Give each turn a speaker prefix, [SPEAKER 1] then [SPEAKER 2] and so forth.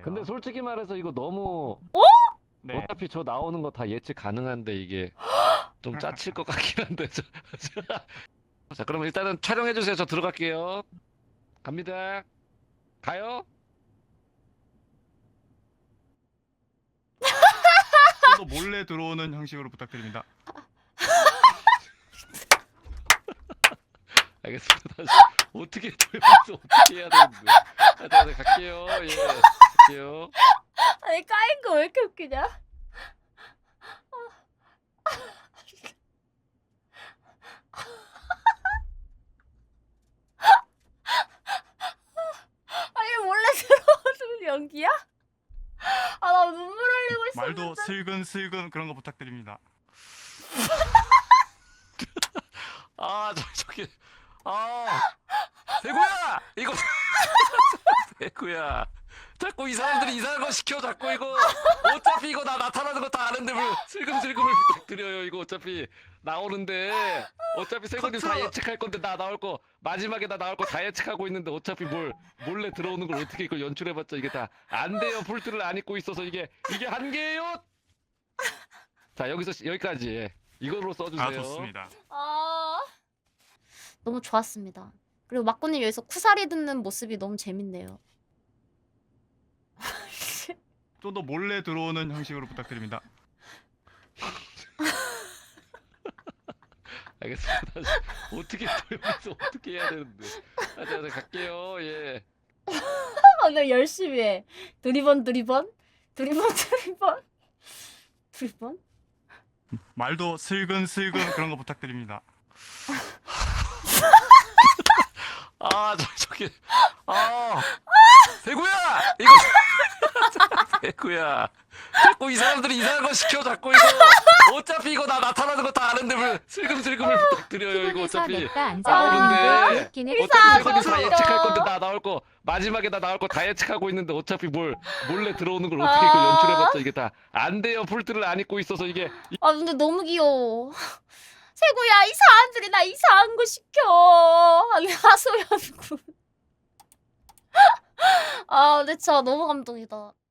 [SPEAKER 1] 거예요.
[SPEAKER 2] 근데 솔직히 말해서 이거 너무
[SPEAKER 1] 네.
[SPEAKER 2] 어차피 저 나오는 거 다 예측 가능한데 이게 좀 짜칠 것 같긴 한데 자 그러면 일단은 촬영해 주세요. 저 들어갈게요. 갑니다. 가요?
[SPEAKER 1] 또 몰래 들어오는 형식으로 부탁드립니다.
[SPEAKER 2] 알겠습니다. 다시 어떻게 돌면서 어떻게 해야 되는데? 자, 갈게요. 예, 갈게요.
[SPEAKER 3] 아니 까인 거 왜 이렇게 웃기냐? 아니 몰래 들어오는 연기야? 아 나 눈물 흘리고 있어.
[SPEAKER 1] 말도 슬근슬근 그런 거 부탁드립니다.
[SPEAKER 2] 아, 저기, 대구야! 이거, 대구야. 자꾸 이 사람들이 이상한 거 시켜, 자꾸 이거. 어차피 이거 나 나타나는 거 다 아는데 뭘 슬금슬금을 부탁드려요. 이거 어차피 나오는데. 어차피 세건이 다 예측할 건데 나 나올 거, 마지막에 나 나올 거 다 예측하고 있는데 어차피 몰래 들어오는 걸 어떻게 이걸 연출해봤자 이게 다 안 돼요. 풀트를 안 입고 있어서 이게 한계예요! 자, 여기까지. 이걸로 써주세요.
[SPEAKER 1] 아 좋습니다.
[SPEAKER 3] 아 너무 좋았습니다. 그리고 막고님 여기서 쿠사리 듣는 모습이 너무 재밌네요.
[SPEAKER 1] 좀 더 몰래 들어오는 형식으로 부탁드립니다.
[SPEAKER 2] 알겠습니다. 다시 어떻게 돌면서 어떻게 해야 되는데? 자, 갈게요. 예.
[SPEAKER 3] 오늘 열심히 해. 두리번
[SPEAKER 1] 말도 슬근슬근 그런 거 부탁드립니다.
[SPEAKER 2] 저기, 대구야! 이거, 대구야. 자꾸 이 사람들이 이상한 거 시켜, 자꾸 이거. 어차피 이거 나 나타나는 거 다 아는데 뭘 슬금슬금을 부탁드려요. 이거 어차피 나오는데. 어차피 세건이 다 예측할 건데 나 나올 거, 마지막에 나 나올 거 다 예측하고 있는데 어차피 몰래 들어오는 걸 어떻게 이걸 연출해봤자 이게 다 안 돼요. 풀트를 안 입고 있어서 이게.
[SPEAKER 3] 아 근데 너무 귀여워. 세구야 이 사람들이 나 이상한 거 시켜. 아니 하소연 군. 아 근데 진짜 너무 감동이다.